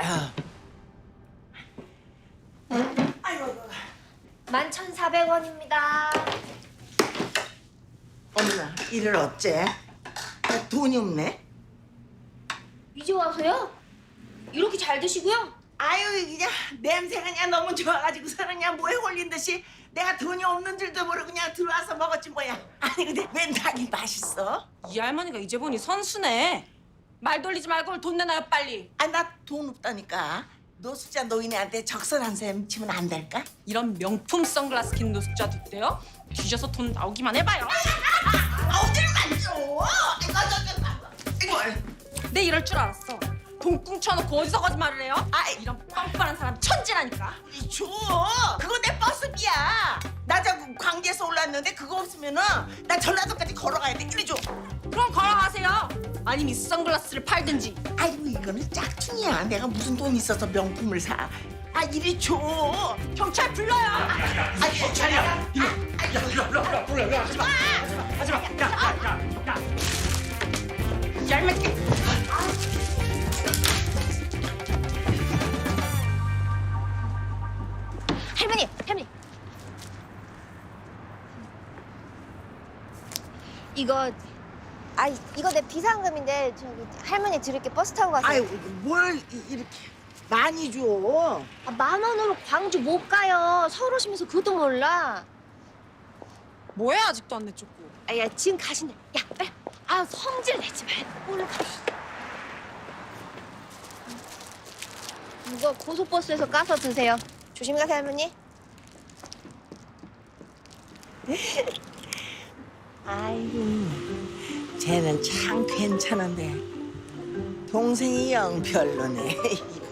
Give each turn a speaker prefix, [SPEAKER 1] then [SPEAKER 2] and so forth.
[SPEAKER 1] 아이고.
[SPEAKER 2] 11,400원입니다.
[SPEAKER 1] 어머나, 일을 어째? 나 돈이 없네.
[SPEAKER 2] 이제 와서요? 이렇게 잘 드시고요?
[SPEAKER 1] 아유, 그냥 냄새가 그냥 너무 좋아가지고서는 그냥 뭐에 홀린 듯이 내가 돈이 없는 줄도 모르고 그냥 들어와서 먹었지 뭐야. 아니 근데 웬 닭이 맛있어?
[SPEAKER 3] 이 할머니가 이제 보니 선수네. 말 돌리지 말고 돈 내놔요 빨리.
[SPEAKER 1] 아, 나 돈 없다니까. 노숙자 노인애한테 적선 한 셈 치면 안 될까?
[SPEAKER 3] 이런 명품 선글라스 낀 노숙자도 있대요. 뒤져서 돈 나오기만 해봐요.
[SPEAKER 1] 어딜 만져? 이거
[SPEAKER 3] 내 이럴 줄 알았어. 돈 꿍쳐놓고 어디서 거짓말을 해요? 이런 뻔뻔한 사람 천지라니까.
[SPEAKER 1] 줘. 그거 내 버스비야. 나 자꾸 광주에서 올랐는데 그거 없으면은 나 전라도까지 걸어가야 돼. 이리 줘.
[SPEAKER 3] 그럼 걸어가세요. 아니면 이 선글라스를 팔든지.
[SPEAKER 1] 아이고 이거는 짝퉁이야. 내가 무슨 돈 있어서 명품을 사. 아 이리 줘.
[SPEAKER 3] 경찰 불러요.
[SPEAKER 1] 아니 경찰이야.
[SPEAKER 4] 불러 하지 마. 하지 마. 야.
[SPEAKER 3] 얄밉게.
[SPEAKER 2] 할머니! 이거 내 비상금인데 저기 할머니 드릴게 버스 타고 가세요.
[SPEAKER 1] 아이고 뭘 이렇게 많이 줘.
[SPEAKER 2] 10,000원으로 광주 못 가요. 서울 오시면서 그것도 몰라.
[SPEAKER 3] 뭐해 아직도 안 내쫓고.
[SPEAKER 2] 야 지금 가신대. 야 빨리. 성질 내지 말고 얼른 가. 이거 고속버스에서 까서 드세요. 조심히 가세요 할머니.
[SPEAKER 1] 아이고 쟤는 참 괜찮은데 동생이 영 별로네. 이거